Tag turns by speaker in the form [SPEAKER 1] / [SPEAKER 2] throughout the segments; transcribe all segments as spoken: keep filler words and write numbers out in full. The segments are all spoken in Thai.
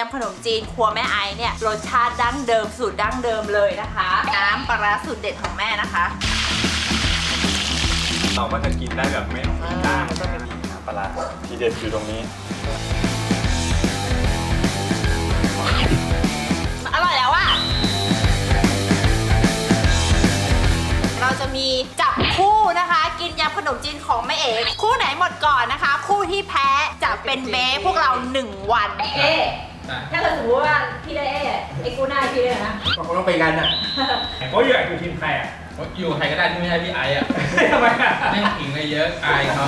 [SPEAKER 1] ำขนมจีนครัวแม่ไอเนี่ยรสชาติดั้งเดิมสูตรดั้งเดิมเลยนะคะน้ำปลาร้าสูตรเด็ดของแม่นะคะ
[SPEAKER 2] เราก็จะกินได้แบบไม่ต้องมีก้างก็เป็นน้ำปลาร้าทีเด็ดอยู่ตรงนี้
[SPEAKER 1] อร่อยแล้วอะเราจะมีจับคู่นะคะกินยำขนมจีนของแม่เอ๋คู่ไหนหมดก่อนนะคะคู่ที่แพ้จะเป็นเบ้พวกเราหนึ่งวันเอ๊ถ้าเกิดสมมติว่าพี่ได้เอ๊ไอ้กูหน้าพี่เลยนะ
[SPEAKER 3] ก็คงต้องไปกันอ่ะ
[SPEAKER 2] เขาอยู่อยู่ทีมใครอ่ะ
[SPEAKER 3] อยู่ใครก็ได้ที่ไม่ใช่พี่ไอ้อ่ะ
[SPEAKER 2] ทำไมอ่ะ
[SPEAKER 3] ไม่ขิงเลยเยอะอายเขา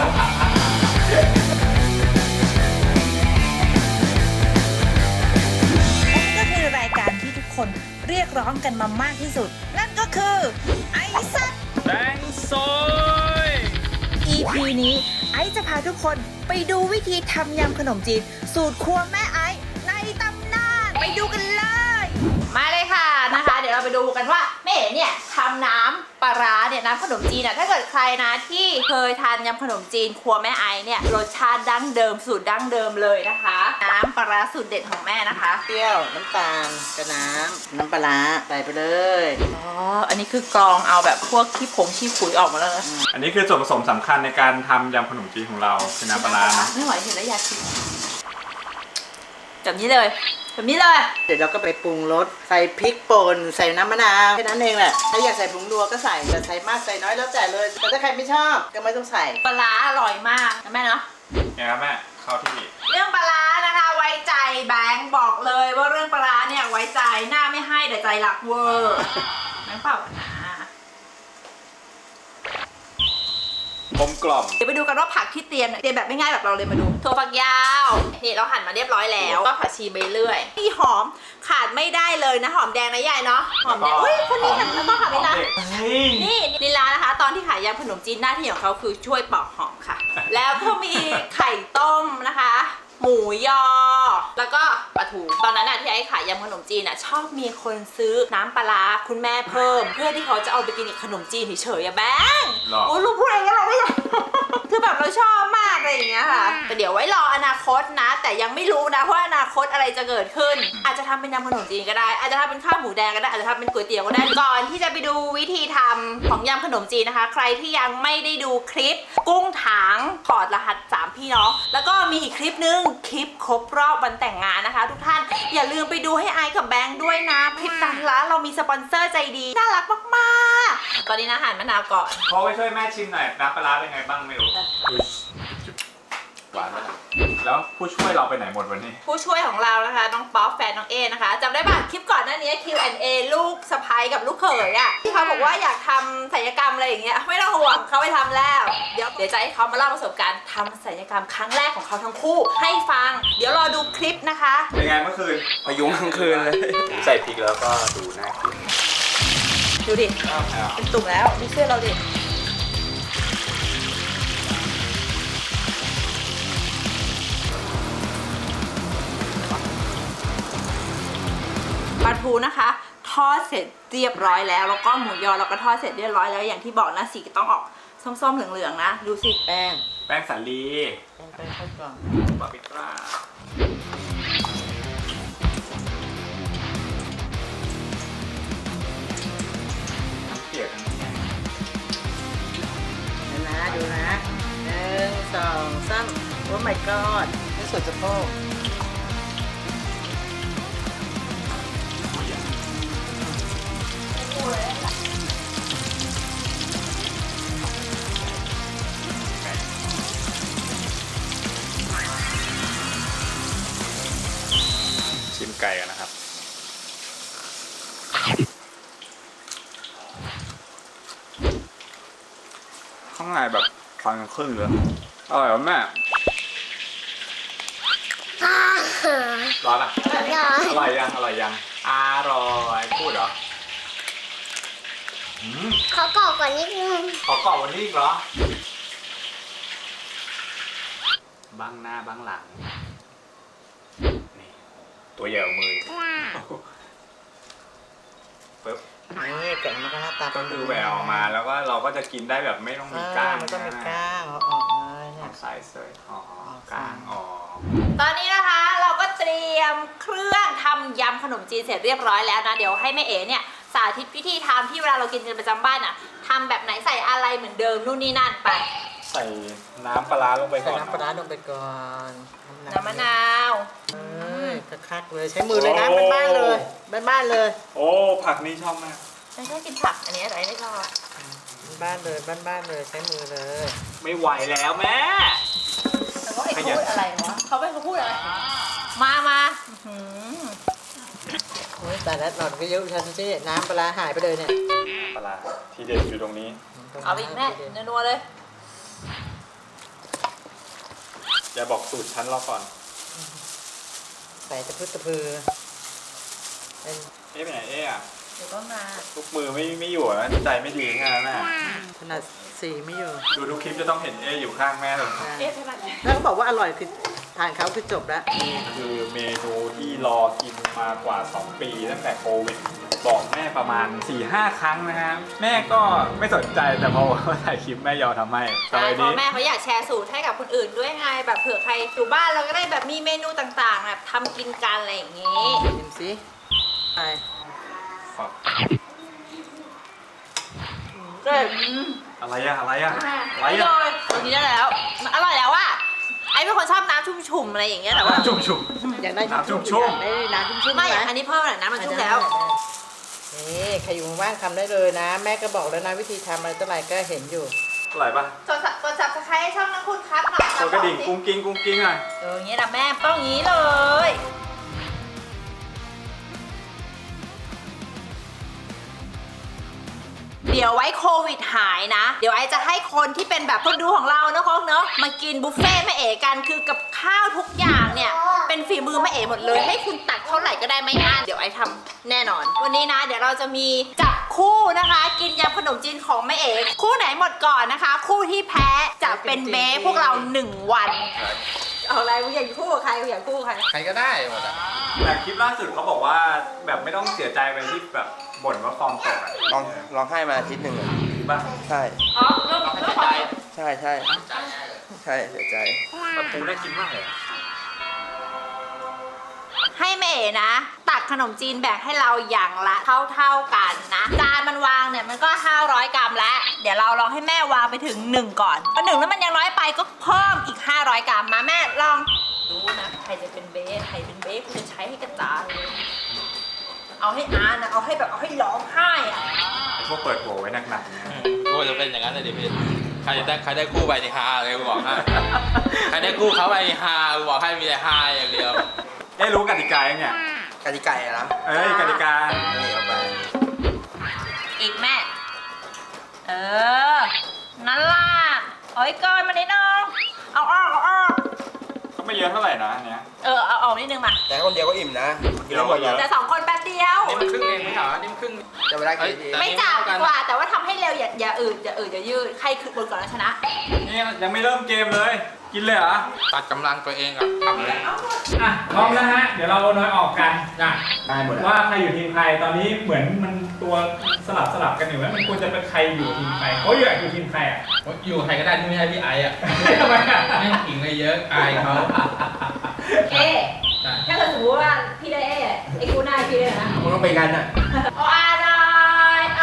[SPEAKER 1] ก็คือรายการที่ทุกคนเรียกร้องกันมามากที่สุดนั่นก็คือไอซัด
[SPEAKER 2] แบงซอย
[SPEAKER 1] อี พี นี้ไอจะพาทุกคนไปดูวิธีทำยำขนมจีนสูตรครัวแม่ไอในตำนานไปดูกันเลยมาเลยค่ะนะคะเดี๋ยวเราไปดูกันว่าแม่เอ๋เนี่ยทำน้ำปลาร้าเนี่ยน้ำขนมจีนอ่ะถ้าเกิดใครนะที่เคยทานยำขนมจีนครัวแม่ไอเนี่ยรสชาติดั้งเดิมสูตรดั้งเดิมเลยนะคะน้ำปลาร้าสูตรเด็ดของแม่นะคะ
[SPEAKER 4] เปรี้ยวน้ำตาลกระน้ำน้ำปลาใส่ไปเลย
[SPEAKER 1] อ๋ออันนี้คือกรองเอาแบบพวกขี้ผงขี้ขุยออกมาแล้วนะ
[SPEAKER 2] อันนี้คือส่วนผสมสำคัญในการทำยำขนมจีนของเราคือน้ำปลานะ
[SPEAKER 1] ไม่ไหวเห็นแล้วอยากกินแบบนี้เลยแบบนี้เลย
[SPEAKER 4] เดี๋ยวเราก็ไปปรุงรสใส่พริกป่นใส่น้ำมะนาวแค่นั้นเองแหละถ้าอยากใส่ผงนัวก็ใส่แต่ใส่มากใส่น้อยแล้วแต่เลยแต่ถ้าใครไม่ชอบก็ไม่ต้องใส่
[SPEAKER 1] ปลาร้าอร่อยมากนะแม่เนาะ
[SPEAKER 2] เนี่ยครับแม่เข้าที่
[SPEAKER 1] เรื่องปลาร้านะคะไว้ใจแบงค์บอกเลยว่าเรื่องปลาร้าเนี่ยไว้ใจหน้าไม่ให้แต่ใจหลักเวอร์แบงค์เปล่านะ
[SPEAKER 2] กลมกล่อม
[SPEAKER 1] เดี๋ยวไปดูกันว่าผักที่เตรียมเตรียมแบบไม่ง่ายแบบเราเลยมาดูถั่วฝักยาวนี่เราหั่นมาเรียบร้อยแล้วก็ผักชีใบเลื่อยที่หอมขาดไม่ได้เลยนะหอมแดงนะยายเนาะหอมแดงอุ้ยคนนี้หั่นแล้วก็หั่นไปนะนี่ลีลานะคะตอนที่ขายยำขนมจีนหน้าที่ของเขาคือช่วยปอกหอมค่ะแล้วก็มีไข่ต้มนะคะหมูยอแล้วก็ปลาทูตอนนั้นน่ะที่ไอ้ขายยำขนมจีนน่ะชอบมีคนซื้อน้ำปลาคุณแม่เพิ่มเพื่อที่เขาจะเอาไปกินกับขนมจีนเฉยๆอะแบงค์โอ้ลูกพูดอะไรกันเราไม่คือแบบเราชอบมากอะไรอย่างเงี้ยค่ะแต่เดี๋ยวไว้รออนาคตนะแต่ยังไม่รู้นะว่าอนาคตอะไรจะเกิดขึ้นอาจจะทำเป็นยำขนมจีนก็ได้อาจจะทำเป็นข้าวหมูแดงก็ได้อาจจะทำเป็นก๋วยเตี๋ยวก็ได้ก่อนที่จะไปดูวิธีทำของยำขนมจีนนะคะใครที่ยังไม่ได้ดูคลิปกุ้งถางถอดรหัสสามพี่น้องแล้วก็มีอีกคลิปนึงคลิปครบรอบวันแต่งงานนะคะทุกท่านอย่าลืมไปดูให้ไอกับแบงค์ด้วยนะคลิปนั้นละเรามีสปอนเซอร์ใจดีน่ารักมากๆตอนนี้นะหั่นมะนาวก่อน
[SPEAKER 2] พอไปช่วยแม่ชิมหน่อยน้ำปลาเป็นไงบ้างไม่รู้หวานไหมแล้วผู้ช่วยเราไปไหนหมดวันนี้
[SPEAKER 1] ผู้ช่วยของเรานะคะน้องป๊อปแฟนน้องเอนะคะจำได้ป่ะคลิปก่อนหน้านี้ คิว แอนด์ เอ ลูกสะใภ้กับลูกเขยอ่ะที่เขาบอกว่าอยากทำศัลยกรรมอะไรอย่างเงี้ยไม่ต้องห่วงเขาไปทำแล้วเดี๋ยวเดี๋ยวจะให้เขามาเล่าประสบการณ์ทำศัลยกรรมครั้งแรกของเขาทั้งคู่ให้ฟังเดี๋ยวรอดูคลิปนะคะ
[SPEAKER 2] เป็นไงเมื่อคืน
[SPEAKER 3] พยุงทั้งคืนเลย
[SPEAKER 2] ใส่พริกแล้วก็ดูน่ากิน
[SPEAKER 1] ดูดิเป็นตุ่มแล้วดูเสื้อเราดิปลาทูนะคะทอดเสร็จเรียบร้อยแล้วแล้วก็หมูยอเราก็ทอดเสร็จเรียบร้อยแล้วอย่างที่บอกนะสีก็ต้องออกส้มๆเหลืองๆนะดูสิ
[SPEAKER 4] แป้ง
[SPEAKER 2] แป้งสาลี
[SPEAKER 4] แป้งแป้งข้าวกล่อง
[SPEAKER 2] บาร์บีคราเปียก
[SPEAKER 4] นะดูนะหนึ่งสองสามโอ้ my god นี่สุดสะโพก
[SPEAKER 2] ชิมไก่กันนะครับข้างในแบบฟันครึ่งเลยอร่อยแม่ร้อนอ่ะอร่อยยังอร่อยยังอร่อยพูดเหรอ
[SPEAKER 5] ขอกรอบกว่านิดนึง
[SPEAKER 2] ขอกรอบวันนี้อีกเหรอบ้างหน้าบ้างหลังนี่ตัวใหญ่มือปึ๊บ
[SPEAKER 4] นี่แกะมันก็หน้าตา
[SPEAKER 2] ก็คือแหววออกมาแล้วก็เราก็จะกินได้แบบไม่ต้องมีก้าง
[SPEAKER 4] ไม่ต้องมีก้างออกเลย
[SPEAKER 2] เนี่ยใส่เสยอ๋อก้างออก
[SPEAKER 1] ตอนนี้นะคะเราก็เตรียมเครื่องำยำขนมจีนเสร็จเรียบร้อยแล้วนะเดี๋ยวให้แม่เอ๋เนี่ยสาธิตวิธีทำที่เวลาเรากินกันประจำบ้านอ่ะทำแบบไหนใส่อะไรเหมือนเดิมนู่นนี่นั่นไป
[SPEAKER 2] ใส่น้ำปลาร้าลงไป
[SPEAKER 4] ใส่
[SPEAKER 2] ก่อน
[SPEAKER 4] น้ำปลาร้าลงไปก่อน
[SPEAKER 1] น้ำมะนาว
[SPEAKER 4] เอ้ยคักๆเลยใช้มือเลยนะบ้านๆเลยบ้านๆเลย
[SPEAKER 2] โอ้ผักนี่ชอบมาก
[SPEAKER 1] ไม่ชอบกินผักอันนี้อะไรไม่ชอบ
[SPEAKER 4] บ้านๆเลยบ้านๆเลยใช้มือเลย
[SPEAKER 2] ไม่ไหวแล้วแม่
[SPEAKER 1] แต่ว่าไอ้เขาพูดอะไรวะเขาไม่เขาพูดอะไรมามาอื้อหือ
[SPEAKER 4] โอ้ยแต่ละหลอดก็เยอะชันสิน้ำปลาร้าหายไปเลยเนี่ย
[SPEAKER 2] ปลาร้าทีเด็ดอยู่ตรงนี้
[SPEAKER 1] เอาไปอีกแม่นัวๆเลย
[SPEAKER 2] อย่าบอกสูตรฉันรอก่อน
[SPEAKER 4] ใส่ตะพื้ตะพือเป็น
[SPEAKER 2] เอ๊ะไปไหนเอ๊ะอะ
[SPEAKER 1] เดี๋ยวก็มา
[SPEAKER 2] ทุกมือไม่ไม่อยู่นะใจไม่ดีงานน่ะ
[SPEAKER 4] ขนาดสีไม่อยู่
[SPEAKER 2] ดูทุกคลิปจะต้องเห็นเอ๊ะอยู่ข้างแม่เลย
[SPEAKER 1] เอ๊ะใช่ไหม
[SPEAKER 4] ถ้าเขาบอกว่าอร่อยคือทานเขาคือจบแล้ว
[SPEAKER 2] นี่คือเมนูที่รอกินมากว่าสองปีตั้งแต่โควิดบอกแม่ประมาณ สี่ห้า ครั้งนะฮะแม่ก็ไม่สนใจแต่พอว่าถ่ายคลิปแม่ยอมทำให้ต่อ
[SPEAKER 1] ใช่
[SPEAKER 2] ไป
[SPEAKER 1] เพราะ
[SPEAKER 2] นี้
[SPEAKER 1] แม่เขาอยากแชร์สูตรให้กับคนอื่นด้วยไงแบบเผื่อใครอยู่บ้านเราก็ได้แบบมีเมนูต่างๆแบบทำกินกันอะไรอย่างงี้
[SPEAKER 4] ชิมสิไป
[SPEAKER 2] ครับ
[SPEAKER 1] ก็
[SPEAKER 2] อะไรอะอะไรอะอะไร
[SPEAKER 1] ไม่
[SPEAKER 2] อะ
[SPEAKER 1] เลยตรงนี้ได้แล้วมันอร่อยแล้วอะไอ้เป็นคนชอบน้ำชุ่มๆอะไรอย่างเงี้ยแต่ว่า
[SPEAKER 2] ชุ่มชุ่ม
[SPEAKER 4] อยากได้
[SPEAKER 2] น้ำชุ่
[SPEAKER 4] ชุ่
[SPEAKER 2] ม
[SPEAKER 4] ม
[SPEAKER 2] ๆ
[SPEAKER 4] ๆอยากได้น้ำชุ่มๆ
[SPEAKER 1] ไม่
[SPEAKER 4] ไหม
[SPEAKER 1] อันนี้เพิ่มหน่อยน้ำมันชุ่มแล้ว
[SPEAKER 4] นี่ใครอยู่ว่างๆทำได้เลยนะ แม่ก็บอกแล้วนะวิธีทำอะไรต่ออะไรก็เห็นอยู่
[SPEAKER 2] อร่อยปะ
[SPEAKER 1] กดสับกดสับสไครต์ให้ช่องนักคุณครับหน่อย
[SPEAKER 2] กดกระดิ่งกุ้งกิ้งกุ้งกิ้งหน่อย
[SPEAKER 1] เอออย่างเงี้ยนะแม่ต้องอย่างงี้เลย เดี๋ยวไว้โควิดหายนะ เดี๋ยวไอจะให้คนที่เป็นแบบคนดูของเราเนอะโค้กเนอะมากินบุฟเฟ่ต์แม่เอ๋กันคือกับข้าวทุกอย่างเนี่ยเป็นฝีมือแม่เอ๋หมดเลย ให้คุณตักเท่าไหร่ก็ได้ไม่อั้นเดี๋ยวไอทำแน่นอน วันนี้นะเดี๋ยวเราจะมีจับคู่นะคะ กินยำขนมจีนของแม่เอ๋คู่ไหนหมดก่อนนะคะ คู่ที่แพ้จะเป็นเบ้พวกเราหนึ่งวันเอาอะไรมึงอยากคู่กับใครมึงอยากคู่กับใคร
[SPEAKER 3] ใครก็ได้หมดอ่ะ
[SPEAKER 2] แต่คลิปล่าสุดเขาบอกว่าแบบไม่ต้องเสียใจไปที่แบบบ่นว่าฟอร์มตกอะ
[SPEAKER 6] ลองลองให้มาอาทิตย์หนึ่งอะ
[SPEAKER 2] จริงป่ะ
[SPEAKER 6] ใช่
[SPEAKER 1] อ๋อเริ่มเริ่มขอ
[SPEAKER 6] ใช่ใช่ใช่เสียใจ
[SPEAKER 2] ปลาทูน่ากินมากเลยอะ
[SPEAKER 1] ให้แม่เอ๋นะ ตักขนมจีนแบ่งให้เราอย่างละเท่าๆกันนะจานมันวางเนี่ยมันก็ห้าร้อยกรัมแล้วเดี๋ยวเราลองให้แม่วางไปถึงหนึ่งก่อนพอหนึ่งแล้วมันยังน้อยไปก็เพิ่มอีกห้าร้อยกรัมมาแม่ลองดูนะใครจะเป็นเบสใครเป็นเบสกูจะใช้ให้กระจายเลยเอาให้อานะเอาให้แบบเอาให้ร้องไห้อะ
[SPEAKER 2] ไอ้พวกเปิดโหวไว้หนักๆเนี่ย
[SPEAKER 3] โอ้จะเป็นอย่างนั้นเลยดิพี่ใครได้ใครได้คู่ไปนี่ฮาเลยกูบอกให้ใครได้คู่เขาไปนี่ฮากูบอกให้มีแต่ฮาอย่างเดียว
[SPEAKER 2] เอ๊ะรู้กติกายังเนี่ย
[SPEAKER 6] กติกาอะนะ
[SPEAKER 2] เอ้ยกติกา
[SPEAKER 6] นี่เอาไป
[SPEAKER 1] อีกแม่เออนั่นล่ะเอาให้เกินมานิดนึงเอาออกเอาออก
[SPEAKER 2] ก็ไม่เยอะเท่าไหร่นะอันเนี้ย
[SPEAKER 1] เออเอาออกนิดนึงมา
[SPEAKER 6] แต่คนเดียวก็อิ่มนะกินได้หมดเลย
[SPEAKER 1] แต่สองคนแป๊บเดียว
[SPEAKER 3] นี่มันครึ่งเองไม่เหรอนี่มันครึ่ง
[SPEAKER 6] จะเวลากี่ที
[SPEAKER 3] แต่
[SPEAKER 1] ไม่จับดีกว่าแต่ว่าทำให้เร็วอย่าอย่าอืดอย่าอืดอย่ายืดใครคือบนก่อนแล้วชนะ
[SPEAKER 2] นี่ยังไม่เริ่มเกมเลย กินเลยเหรอ
[SPEAKER 3] ตัดกำลังตัวเองอ่ะทำเลย
[SPEAKER 2] อ่ะพร้อมแล้วฮะ เดี๋ยวเราน้อยออกกันนะ
[SPEAKER 6] ได้หมดอะ
[SPEAKER 2] ว่าใครอยู่ทีมใครตอนนี้เหมือนมันตัวสลับสลับกันอยู่ว่ามันควรจะเป็นใครอยู่ทีมใครเขาอยากอยู่ทีมใครอ่ะ
[SPEAKER 3] อยู่ใครก็ได้ที่ไม่ใช่พี่ไอ้อ่ะ
[SPEAKER 2] ทำไมอ่ะ
[SPEAKER 3] ไม่ขิงเลยเยอะอายเขา
[SPEAKER 1] เอ๊ะถ้าเกิดสมมติว่าพี่ได้เอ๊ะไอ้กูหน้าพี่ได้นะ
[SPEAKER 6] มันต้องไปกันอ่ะ
[SPEAKER 1] เอาอะไรเอา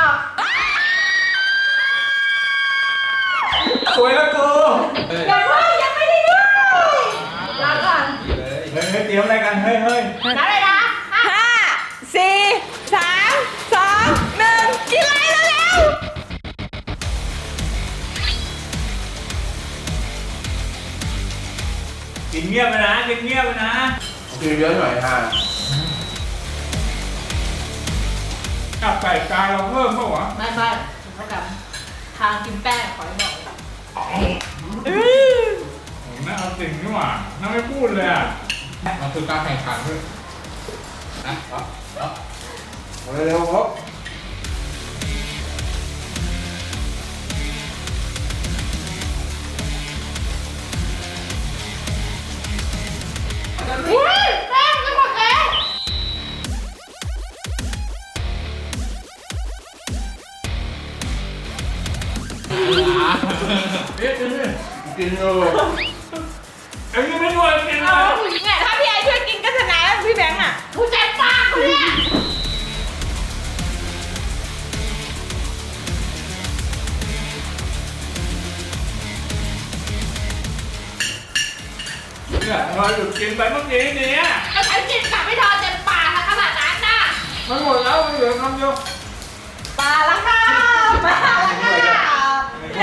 [SPEAKER 2] สวยแล้วกู
[SPEAKER 3] เออ
[SPEAKER 1] ยังไม่ยังไม่ได้ด้วยลาก่อน
[SPEAKER 3] ดีเลย
[SPEAKER 2] เฮ้ยเฮ้ยเตรียมอะไรกันเฮ้ยเฮ้ย
[SPEAKER 1] นับเลยนะห้าสี่สามสองหนึ่งกินอะไรเร็ว
[SPEAKER 2] กินเงียบไปนะกินเงียบไปนะ
[SPEAKER 6] กินเยอะหน่อยฮะ
[SPEAKER 2] กับไก่กายเราเพิ่มเปล่าวะ
[SPEAKER 1] ไม่ไม่เท่ากับทางกินแป้งขอให้บอก
[SPEAKER 2] ผมน่าเอาสิ่งนี่หว่าน่าไม่พูดเลยอ่ะ
[SPEAKER 3] มันคือการแข่งขันด้วยนะเอาเอา
[SPEAKER 6] เอาเร็วๆครับ
[SPEAKER 1] อุ้ยแป้งจะหมดแล้ว
[SPEAKER 2] เอ๊ะกินดิ
[SPEAKER 6] กินเออ
[SPEAKER 2] ไอ้นี่ไม่ด้วยกินเล
[SPEAKER 1] เอา
[SPEAKER 2] ย
[SPEAKER 1] เนี่ยถ้าพี่ไอช่วยกินก็ชนะแล้วพี่แบงค์อ่ะกูจะไป
[SPEAKER 2] หยุดกินไปเมื่อกี้เนี้ย
[SPEAKER 1] ก็ฉันกินกลับไม่ทอนเต็มปากขนาดนั้นน่ะ
[SPEAKER 2] มันหมดแล้วมันเหลือคำเดียว
[SPEAKER 1] มาแล้วค่ะมาแล้วค่ะเย้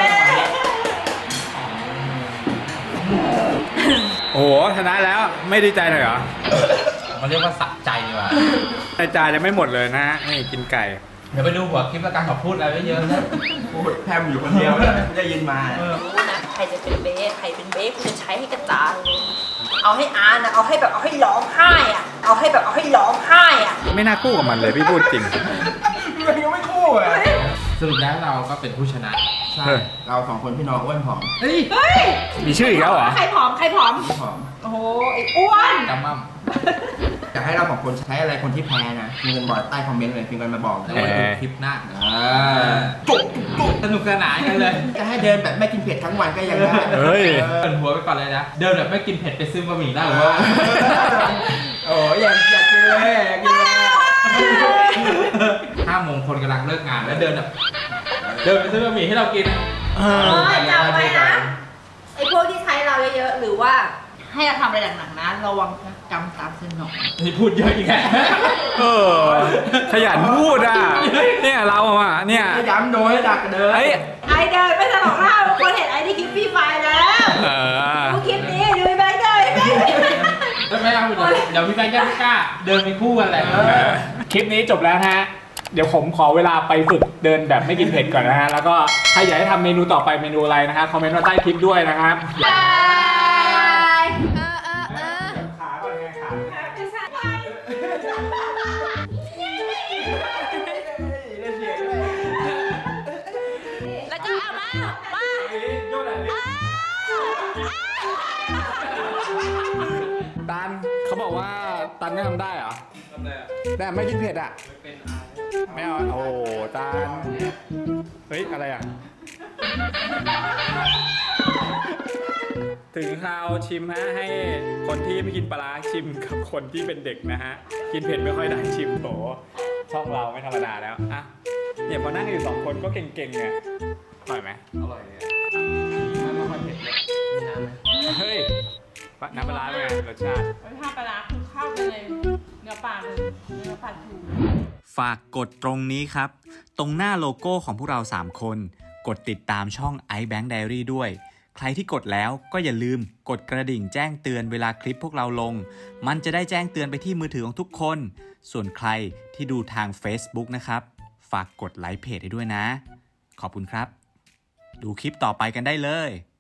[SPEAKER 2] โอ้โหชนะแล้วไม่ดีใจหน่อยเหรอ
[SPEAKER 3] มันเรียกว่าสะใจดีกว่า
[SPEAKER 2] ไอจานยังไม่หมดเลยนะฮะนี่กินไก่
[SPEAKER 3] เดี๋ยวไปดูหัวคลิปแล้วกันขอพูดอะไรไม่เยอะนะ
[SPEAKER 6] พูดแพมอยู่คนเดียวนะได้ยินมา
[SPEAKER 1] รู้นะใครจะเป็นเบสใครเป็นเบสกูจะใช้ให้กระจายเลยเอาให้อาร์นะเอาให้แบบเอาให้ร้องไห้อ่ะเอาให้แบบเอาให้ร้องไห้อ่ะ
[SPEAKER 2] ไม่น่าคู่กับมันเลยพี่พูดจริง
[SPEAKER 6] มันยังไม่คู่อ่ะ
[SPEAKER 3] สรุปแล้วเราก็เป็นผู้ชนะ
[SPEAKER 6] ใช่ เราสองคนพี่น้องอ้วนผอม
[SPEAKER 3] เฮ้ย
[SPEAKER 1] เฮ้ย
[SPEAKER 2] มีชื่ออีกแล้วเหรอ
[SPEAKER 1] ใครผอมใครผอม
[SPEAKER 6] ผอม
[SPEAKER 1] โอ้โหไอ้อ้วน
[SPEAKER 3] กำมั่ม
[SPEAKER 6] อยากให้เราสองคนใช้อะไรคนที่แพ้นะพิมพ์กันบอกใต้คอมเมนต์เลยพิมพ์กันมาบอก
[SPEAKER 3] แล้วมาดูคลิปหน้า
[SPEAKER 6] อ่าจุกจุกจุก
[SPEAKER 3] สนุกสนานกันเลย
[SPEAKER 6] จะให้เดินแบบไม่กินเผ็ดทั้งวันก็ยังได้
[SPEAKER 2] เฮ้ย
[SPEAKER 3] เปิดหัวไปก่อนเลยนะ เดินแบบไม่กินเผ็ดไปซื้อบะหมี่ได้หรือว่า
[SPEAKER 6] โอ้ยอยากอยากกินเลยอยากกินเลย
[SPEAKER 3] ห้าโมงคนกำลังเลิกงานแล้วเดินแบบเดินไปซื้อบะหมี่ให้เรากิน
[SPEAKER 1] เออจำไว้นะไอ้พวกที่ใช้เราเยอะๆหรือว่าให้เราทำอะไรหนักๆนะระวังกรรมตามสนอง
[SPEAKER 3] นี่พูดเยอะอีกแล้ว
[SPEAKER 2] เออขยันพูดอ่ะเนี่ยเราอ่ะเนี่ย
[SPEAKER 6] จะย้ำโดยให้ดักเดิน
[SPEAKER 2] เอ้ย
[SPEAKER 1] ไอเดินไปสนองหน้าบางคนเห็นไอที่คลิปฟรีไฟล์แล้ว
[SPEAKER 2] เออ
[SPEAKER 1] ดูคลิปนี้ดูแบงค์เดินแบงค์
[SPEAKER 3] แล้วไม่เอาเดี๋ยวเดี๋ยวพี่แบงค์ยังไม่กล้า เดินไปคู่กันแหละ
[SPEAKER 2] คลิปนี้จบแล้วฮะ เดี๋ยวผมขอเวลาไปฝึกเดินแบบไม่กินเผ็ดก่อนนะฮะ แล้วก็ถ้าอยากให้ทำเมนูต่อไปเมนูอะไรนะฮะคอมเมนต์มาใต้คลิปด้วยนะครับ
[SPEAKER 1] บายเออเออเออ
[SPEAKER 2] ขาก่อนไงขา
[SPEAKER 1] แล้วก็เอามามา
[SPEAKER 2] ตันเขาบอกว่าตันไม่ทำได้เหรอ
[SPEAKER 3] ทำไรอ่ะ
[SPEAKER 2] แต่ไม่กินเผ็ดอ่ะ
[SPEAKER 3] เป็น
[SPEAKER 2] ไม่เอาโอ้โหตันเฮ้ยอะไรอ่ะ ถึงคราวชิมฮะให้คนที่ไม่กินปลาร้าชิมกับคนที่เป็นเด็กนะฮะ กินเผ็ดไม่ค่อยได้ชิมโถช่องเราไม่ธรรมดาแล้วอ่ะเนี่ยพอนั่งอยู่สองคนก็เก่งๆไงอร่อยไหม
[SPEAKER 3] อร่อยเลยไม่ค่อยเผ็ดเลยมีน้ำไหม
[SPEAKER 2] เฮ้ยปะน้ำปลาร้าเป็นไงรสชาติ
[SPEAKER 7] รสชาติปลาร้าคือเข้าไปเลยเนื้อปลาเลยเนื้อปลาทู
[SPEAKER 8] ฝากกดตรงนี้ครับ ตรงหน้าโลโก้ของพวกเราสามคน กดติดตามช่อง iBank Diary ด้วย ใครที่กดแล้วก็อย่าลืมกดกระดิ่งแจ้งเตือนเวลาคลิปพวกเราลง มันจะได้แจ้งเตือนไปที่มือถือของทุกคน ส่วนใครที่ดูทาง Facebook นะครับ ฝากกดไลค์เพจให้ด้วยนะ ขอบคุณครับ ดูคลิปต่อไปกันได้เลย